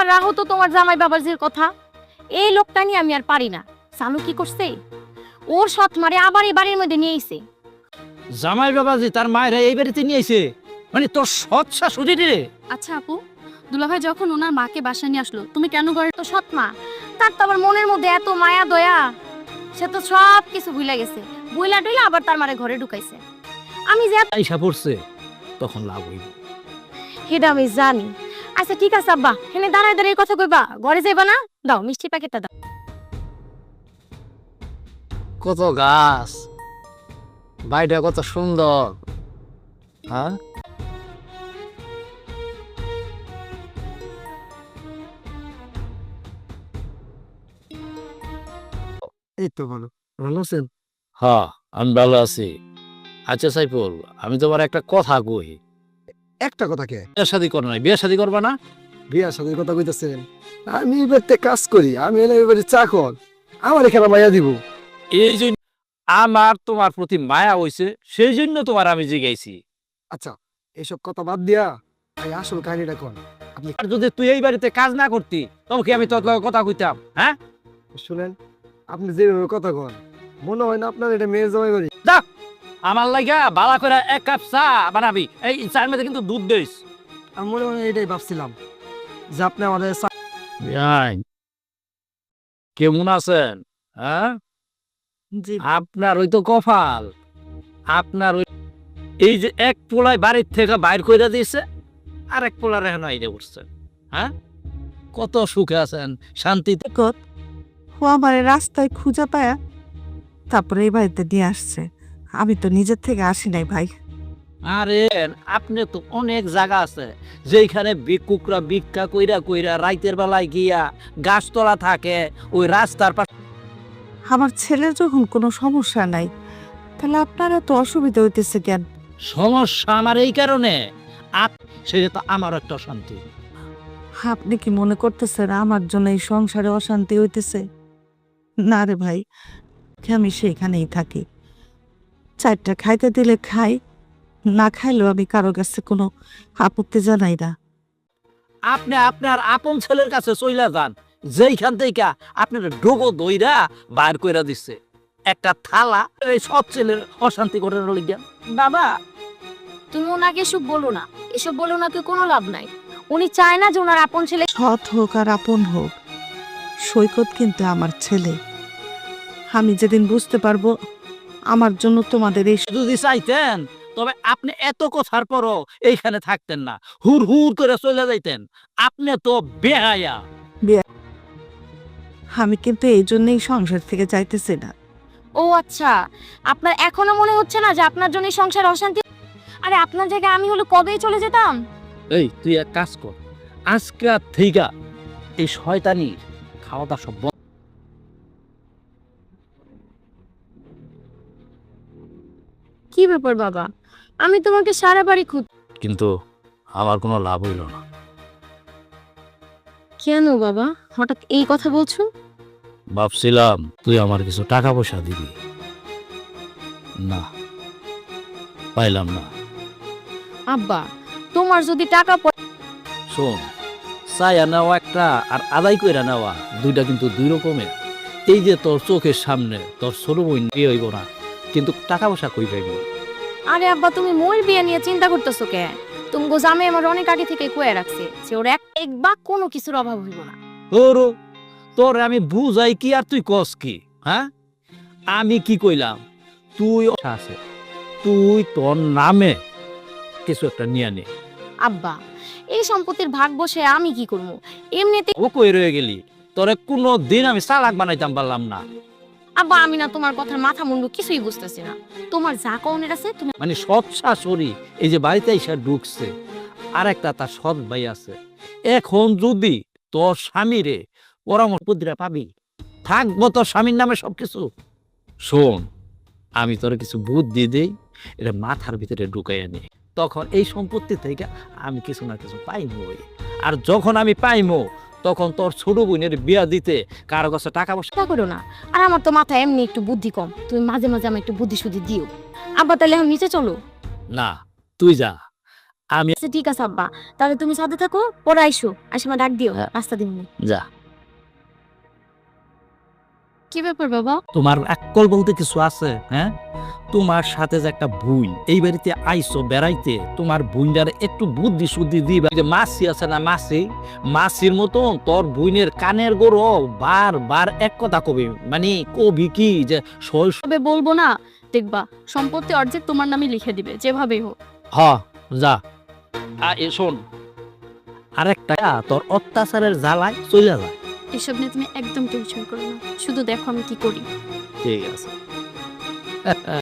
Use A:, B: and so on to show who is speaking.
A: রাখো তো তোমার জামাই বাবাজির কথা। এই লোকটা নিয়ে আমি আর পারি না। সানু কি করছে, ওর সৎ মারে আবার এই বাড়ির মধ্যে নিয়ে আইছে।
B: জামাই বাবাজি তার মায়ের এই বাড়িতে নিয়ে আইছে, মানে তোর সৎ শাশুড়ি রে।
C: আচ্ছা আপু, দুলাভাই যখন ওনার মাকে বাসায় নিয়ে আসলো, তুমি কেন ঘরে?
A: তো সৎ মা, তার তো আবার মনের মধ্যে এত মায়া দয়া, সে তো সব কিছু ভুলে গেছে। বইলা টইলা আবার তার মারে ঘরে ঢুকাইছে। আমি যে
B: আইসা পড়ছে, তখন লাভ হইব।
A: সেটা আমি জানি। আচ্ছা ঠিক আছে আব্বা, হেনে দাঁড়ায় দাঁড়িয়ে কথা কইবা, ঘরে যাইবা না? দাও মিষ্টির প্যাকেটটা দাও।
D: কত গাছ, বাড়িটা কত সুন্দর। হ্যাঁ,
E: এই তো ভালো। ভালো আছেন?
B: হ্যাঁ, আমি ভালো আছি। আচ্ছা সাইফুল, আমি তোমার একটা কথা কই।
E: একটা কথা কে?
B: বিয়ে শাদী করো নাই, বিয়ে শাদী করবা না?
E: বিয়ার সাথে কথা কইতেছেন? আমি এবারতে কাজ করি, আমি এলে এবারে চাকর, আমার এখানে মাইয়া দিব।
B: এই জন্য আমার তোমার প্রতি মায়া হইছে, সেই জন্য তোমার আমি জিগাইছি।
E: আচ্ছা, এইসব কথা বাদ দিয়া এই আসল কাহিনীটা কোন। আপনি
B: আর যদি তুই এই বাড়িতে কাজ না করতি, তবে কি আমি তোর লগে কথা কইতাম? হ্যাঁ,
E: শুনেন, আপনি যেভাবে কথা কন, মনে হয় না আপনার এটা মেয়ের জামাই বাড়ি।
B: আমার লাগা বালা করে এক কাপ চা বানাবি, এই চায়ের মধ্যে কিন্তু দুধ দিস।
E: আমি মনে মনে এটাই ভাবছিলাম যে আপনি আমাদের
B: কেমন আছেন? হ্যাঁ, আপনার ওই তো কপাল, আপনার ওই এই যে এক পোলায় বাড়ির থেকে বাইর করে দিয়েছে, আর এক পোলার এখন আইডে উঠছেন। হ্যাঁ, কত সুখে আছেন, শান্তিতে।
F: কত ও আমার রাস্তায় খুঁজে পায়া তারপরে এই বাড়িতে নিয়ে আসছে। আমি তো নিজের থেকে আসি নাই ভাই।
B: আরে আপনি তো অনেক জায়গা আছে যেখানে ভিক্ষুকরা ভিক্ষা কইরা কইরা রাইতের বেলায় গিয়া গাছতলা থাকে, ওই রাস্তার পাশে।
F: আমার ছেলের যখন কোনো সমস্যা নাই, তাহলে আপনারা তো অসুবিধা হইতেছে কেন?
B: সমস্যা আমার এই কারণে, সেটা তো আমার একটা শান্তি।
F: আপনি কি মনে করতেছেন আমার জন্য এই সংসারে অশান্তি হইতেছে? না রে ভাই, আমি সেইখানেই থাকি। চারটা খাইতে দিলে খাই, না খাইলেও আমি কারো কাছে কোনো আপত্তি জানাই না।
B: আপনি আপনার আপন ছেলের কাছে চইলা যান, যেইখান থেকে আপনার ডোগো দইরা বাইর কইরা দিচ্ছে একটা থালা, এই সব ছেলের অশান্তি করে লিখেন।
A: বাবা, তুমি ওনাকে এসব বলো না, এসব বলে ওনাকে কোনো লাভ নাই। উনি চায় না যে ওনার আপন ছেলে।
F: সৎ হোক আর আপন হোক, সৈকত কিন্তু আমার ছেলে। আমি যেদিন বুঝতে পারবো আমার জন্য তোমাদের এই
B: যদি চাইতেন, তবে আপনি এত কথার পরও এইখানে থাকতেন না, হুর হুর করে চলে যাইতেন। আপনি তো বেহায়া।
F: আমি কিন্তু এই জন্যই সংসার থেকে যাইতেছি না।
A: ও আচ্ছা, আপনার এখনো মনে হচ্ছে না যে আপনার জন্য এই সংসার অশান্তি? আরে আপনার জায়গায় আমি হলে কবেই চলে যেতাম।
B: এই তুই এক কাজ কর, আজকে থেকে এই শয়তানির খাওয়া দাওয়া সব বন্ধ।
A: কি ব্যাপার বাবা, আমি তোমাকে সারা বাড়ি খুঁজ।
B: কিন্তু আমার কোনো লাভ হইল না।
A: কেন বাবা হঠাৎ এই কথা বলছো?
B: ভাবছিলাম তুই আমার কিছু টাকা পয়সা দিবি, না পাইলাম না।
A: আব্বা, তোমার যদি টাকা
B: শোন, চাইয়া নেওয়া একটা আর আদায় কইরা নেওয়া দুইটা কিন্তু দুই রকমের। এই যে তোর চোখের সামনে তোর ছোট বোন বিয়ে হইব না, কিন্তু টাকা পয়সা কই পাইব?
A: আরে আব্বা, তুমি মোর বিয়ে নিয়ে চিন্তা করতেছো কে? তুমি জামে আমার অনেক আগে থেকে কয়ে রাখছে যে ওর এক বা কোনো কিছুর অভাব হইব না।
B: তোর তোর আমি বুঝাই কি আর তুই কস কি? হ্যাঁ, আমি কি কইলাম? তুই আছে, তুই তোর নামে কিছু একটা নিয়ে নে।
A: আব্বা, এই সম্পত্তির ভাগ বসে আমি কি করবো? এমনিতে
B: ও কই রয়ে গেলি? তোরে কোনো দিন আমি চালাক বানাইতাম পারলাম না।
A: আব্বা, আমি না তোমার কথার মাথা মুন্ডু কিছুই বুঝতেছি না। তোমার যা কওনের আছে তুমি।
B: মানে সৎ শাশুড়ি এই যে বাড়িতে এসে ঢুকছে, আর একটা তার সৎ ভাই আছে। এখন যদি তোর স্বামীরে পরামর্শ দিরা পাবি, থাকবো তোর স্বামীর নামে সবকিছু। শোন, আমি তোর কিছু বুদ্ধি দেই, এটা মাথার ভিতরে ঢুকাইয়া নে, তখন এই সম্পত্তি থেকে আমি কিছু না কিছু পাইমো। আর যখন আমি পাইমো, তখন তোর ছোট বোনের বিয়া দিতে কারো কাছে টাকা পয়সা।
A: চিন্তা করো না, আর আমার তো মাথায় এমনি একটু বুদ্ধি কম, তুমি মাঝে মাঝে আমার একটু বুদ্ধি শুদ্ধি দিও। আব্বা তাহলে এখন নিচে চলো।
B: না, তুই যা, আমি
A: আচ্ছা ঠিক আছে আব্বা, তাহলে তুমি সাথে থাকো, পরে আইসো, আসে আমার ডাক দিও,
B: হ্যাঁ।
A: রাস্তা দিন।
B: যা,
C: কি ব্যাপার বাবা?
B: তোমার আকল বলতে কিছু আছে? হ্যাঁ, তোমার সাথে যে একটা বুই এই বাড়িতে আইসো বেড়াইতে, তোমার বুইনার একটু বুদ্ধি শুদ্ধি দিবা। যে মাসি আছে না, মাসির মতন তোর বুইনের কানের গোড়ো বার এক কথা কবি, মানে কবি কি যে
C: তবে বলবো না, দেখবা সম্পত্তি অর্ধেক তোমার নামে লিখে দিবে যেভাবেই হোক।
B: হ যা। শোন, আরেকটা, তোর অত্যাচারের জ্বালায় চলে যায়।
C: এসব নিয়ে তুমি একদম টেনশন করো না, শুধু দেখো আমি কি করি।
B: ঠিক আছে।